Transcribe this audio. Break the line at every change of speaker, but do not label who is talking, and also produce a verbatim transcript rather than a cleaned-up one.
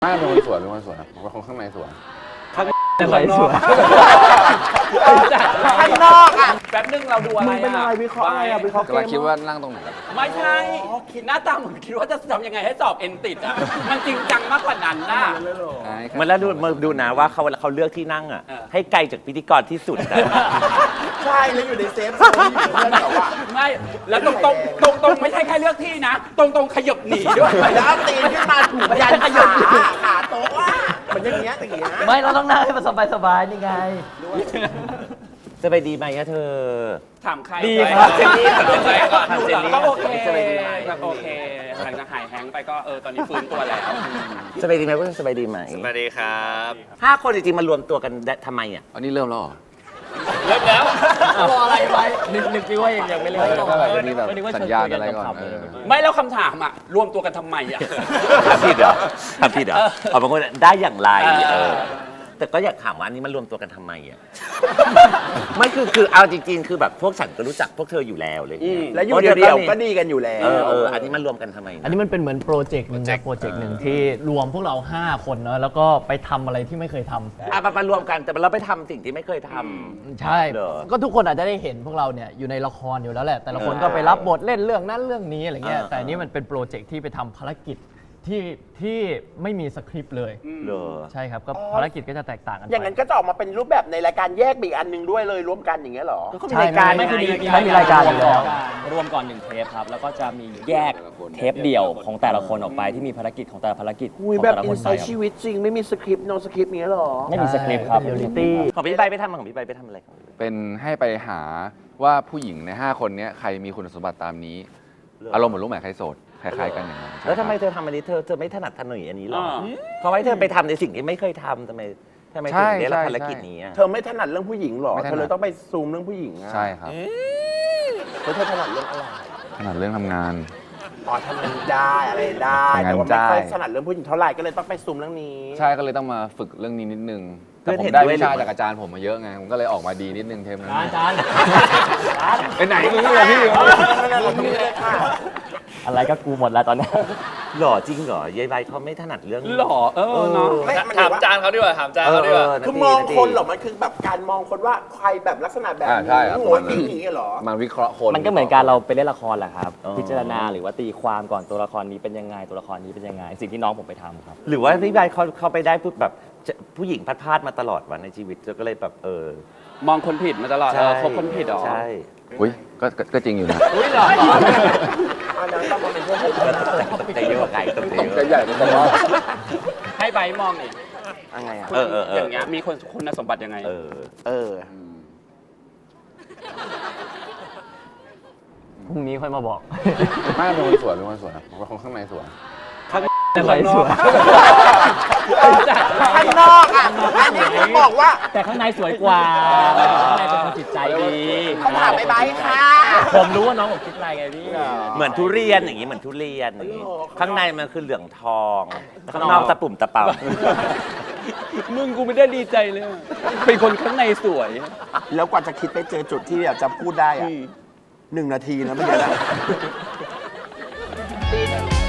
ไม่เป็นคนสวยเป็นคนสวยผมเป็นคนข้างในสวย
ข้างในสวย
ข้างนอกอ่ะ
แป๊บนึงเราดูอะไร
มึงเป็นอะไรวิเคราะห์อะไรอ่ะวิเคราะห์เก
กำลัง
ม
คิดว่านั่งตรงไหน
ไม่ใช่หน้าตาเหมือนคิดว่าจะทำยังไงให้สอบเอ็นติดอ่ะมันจริงจังมากกว่านั้นนะ
เหมือนแล้วดูมาดูนะว่าเขาเขาเลือกที่นั่งอ่ะให้ไกลจากพิธีกรที่สุดนะ
ใช่แล้วอยู่ในเซฟโซนที่อยู่เพื่อนแบบว่า
ไม่แล้วตรงตรงตรงตรงไม่ใช่แค่เลือกที่นะ ตรงตรงขยับหนีด้วย
แล้วเอาตีนขึ้นมาถูกยันขาขาโต๊ะอ่ะเหมือนอย่างเงี้ยอย่างเงี้ย
ไม่เราต้องนั่งให้มันสบายๆนี่ไง
สบายดีไหมอะเธอ
ถามใคร
ดีครับ
เจนนี่ถามเจนนี่ก่อน
ถามเจนนี่
ก็โอเค
สบายดีไหม
ก็โอเคหลังจากหายแฮงก์ไปก็เออตอนนี้ฟื้นตัวแล้ว
สบายดีไหมเพื่อนสบายดีไหม
สวัสดีครับ
ห้าคนจริงๆมารวมตัวกันได้ทำไมอ่ะ
อันนี้เริ่มแล้วเหรอ
เริ่มแล้ว
รออะไรไว้นึกนึกว่ายังไม่เล่น
ก็แบบจะมีแบบสัญญาณอะไรก่อนเออ
ไม่แล้วคำถามอ่ะรวมตัวกันทำไมอ่ะ
ทำผิดเหรอทำผิดเหรอเอาบางคนได้อย่างไร
เออ
เออแต่ก็อยากถามว่าอันนี้มันรวมตัวกันทำไมอ่ะ ไม่คือคือเอาจริงๆ คือแบบพวกฉันก็รู้จักพวกเธออยู่แล้วเลย
แล้วอยู่เดียวๆก็ดีกันอยู่แล้ว
เออเอออันนี้มันรวมกันทำไม
อันนี้มันเป็นเหมือนโปรเจกต์หนึ่งนะโปรเจกต์หนึ่งที่รวมพวกเรา ห้า คนเนาะแล้วก็ไปทำอะไรที่ไม่เคยทำ
อ่ะมามารวมกันแต่เราไปทำสิ่งที่ไม่เคยทำ
ใช่
เหรอ
ก็ทุกคนอาจจะได้เห็นพวกเราเนี่ยอยู่ในละครอยู่แล้วแหละ แต่ละคนก็ไปรับบทเล่นเรื่องนั้นเรื่องนี้อะไรเงี้ย
เออ
แต่อันนี้มันเป็นโปรเจกต์ที่ไปทำภารกิจที่ที่ไม่มีสคริปต์เลย
เหรอ
ใช่ครับก็ภารกิจก็จะแตกต่างกันไป
อย่างนั้นก็จะออกมาเป็นรูปแบบในรายการแยกไปอีกอันหนึงด้วยเลยรวมกันอย่างเงี้ยเหรอ
ก็มีรายการ
ไม่
ไง
คือมีไม่มีรายการอยู่แล้ว
รวมก่อนหนึ่งเทปครับ แล้วก็จะมีแยกเทปเดี่ยวของแต่ละคนออกไปที่มีภารกิจของแต่ละภารกิจข
อุ้ย
อง
แบบ
แต่ละ
อิ
คน น
ไซ
ไป
ต์
ครับ
ชีวิตจริงไม่มีสคริปต์โนสคริปต์เงี้ยเหรอ
ไม่มีสคริปต์ครับ
เรียลลิตี้
ของพี่ใบไปทำของพี่ใบไปทำอะไรของพี่ใบ
เป็นให้ไปหาว่าผู้หญิงในห้าคนเนี้ยใครมีคุณสมบัติตามนี้ อารมณ์เหมือนลูกหมาใครโสดคล้ายๆกันอย่างนั้น
แล้วทำไม
ใช่
เธอทำอันนี้เธอเธอไม่ถนัดถนอยอันนี้หรอ
อ่า
เพราะว่าเธอไปทำในสิ่งที่ไม่เคยทำทำไมทำไมถึงได้รับภารกิจนี้อะ
เธอไม่ถนัดเรื่องผู้หญิงเหรอ เธอเลยต้องไปซูมเรื่องผู้หญิงอะ
ใช่ครับ
แล้วเธอถนัดเรื่องอะไร
ขนาดเรื่องทำงาน
อ๋อทำงานได้อะไรได้
ทำงาน
แต่ว่าไม่ค่อย
ได้
ถนัดเรื่องผู้หญิงเท่าไหร่ก็เลยต้องไปซูมเรื่องนี้
ใช่ก็เลยต้องมาฝึกเรื่องนี้นิดนึง
เพื่
แต่
อน
ผม
เห็น
ได้
ด้วย
วิชา
หรือ
จากอาจารย์ผมมาเยอะไงผมก็เลยออกมาดีนิดนึงเทปนั้น
อาจารย์
ไปไหนมึงเลยพี่
อะไรก็กูหมดแล้วตอนนี้
หล่อจริงเหรอยายใบเขาไม่ถนัดเรื่อง
หล่อเออเนาะ
ไม่มัน
ถาม
ว่า
จานเขาดีกว่า ถามจาน
เออ
เขาดีกว่า
คือมองคนเหรอ มันคือแบบการมองคนว่าใครแบบลักษณะแบบ
อ่า
นี้
ใช่ครับ
หัวตีอย่างเงี้ยเหรอ
มันวิเคราะห์คน
มันก็เหมือนการเราไปเล่นละครแหละครับ พิจารณาหรือว่าตีความก่อนตัวละครนี้เป็นยังไงตัวละครนี้เป็นยังไง สิ่งที่น้องผมไปทำครับ
หรือว่าพี่ใบเขาเขาไปได้ปุ๊บแบบจะผู้หญิงพัดพลาดมาตลอดวันในชีวิตก็เลยแบบเออ
มองคนผิดมาตลอดเออคบคนผิดเหรอ
ใช่
อุ้ยก็ก็ก็จริงอยู่นะ
อุ้ยเหรอ
อันนั้นต้องมาเป็นพวกผม
ตกใจเยอะกว่าไก่ตกใจ
จะ
เย
ใหญ่
อะ
เป็นตลอด
ให้ใบมองอีก
ยังไงอ่ะ
เออเออเออ
อย่างเงี้ยมีคนคุณสมบัติยังไง
เออ
เออ
พรุ่งนี้ค่อยมาบอก
ไม่เป็นคนสวยเป็นคนสวยผมเป็นคนข้างในสวย
สวยสวย
ข้างนอกอ่ะ อันนี้คือบอกว่า
แต่ข้างในสวยกว่าข้างในเป็นคนจิตใจดี
เขาถามไปไบค์ค่ะ
ผมรู้ว่าน้องผมคิดอะไรไงพี่
เหมือนทุเรียนอย่างนี้เหมือนทุเรียนอย่างนี้ข้างในมันคือเหลืองทองข้างนอกตะปุ่มตะเป่า
มึงกูไม่ได้ดีใจเลยอะเป็นคนข้างในสวย
แล้วกว่าจะคิดไปเจอจุดที่แบบจะพูดได้อ่ะหนึ่งนาทีนะไม่ใช่นะ